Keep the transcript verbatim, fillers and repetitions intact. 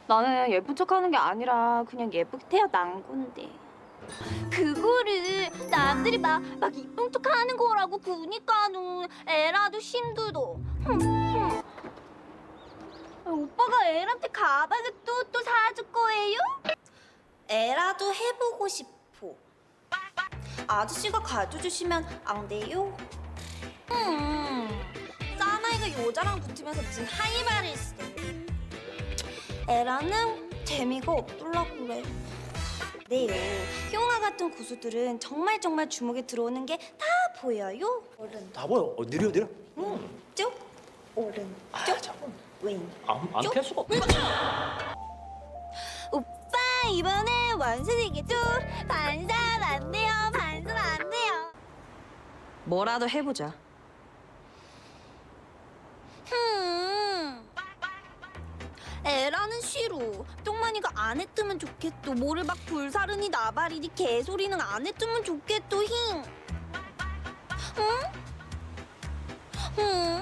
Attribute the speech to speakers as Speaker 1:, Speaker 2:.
Speaker 1: 나는 예쁜 척하는 게 아니라 그냥 예쁘게 태어난 건데.
Speaker 2: 그거를 남들이 막, 막 이쁜 척 하는 거라고 그니까는 에라도 힘들어. 흠, 흠. 오빠가 에라한테 가방을 또 또 사줄 거예요? 에라도 해보고 싶어. 아저씨가 가져주시면 안 돼요? 음, 사나이가 여자랑 붙으면서 무슨 할 말을 있어. 에라는 재미가 없더라 그래. 네, 흉아 같은 고수들은 정말 정말 주목에 들어오는 게 다 보여요. 오른
Speaker 3: 다 보여. 어, 느려 느려.
Speaker 2: 쭉, 오른
Speaker 3: 아,
Speaker 2: 쭉,
Speaker 3: 잠깐.
Speaker 2: 왼.
Speaker 3: 안안
Speaker 2: 쭉.
Speaker 3: 피할 수가 없어.
Speaker 2: 오빠 이번에 원숭이겠죠? 반사 안 돼요, 반사 안 돼요.
Speaker 4: 뭐라도 해보자.
Speaker 2: 흠. 에라는 싫어. 똥만이가 안 했으면 좋겠어. 뭐를 막 불사르니 나발이니 개소리는 안 했으면 좋겠어. 힝. 응? 응.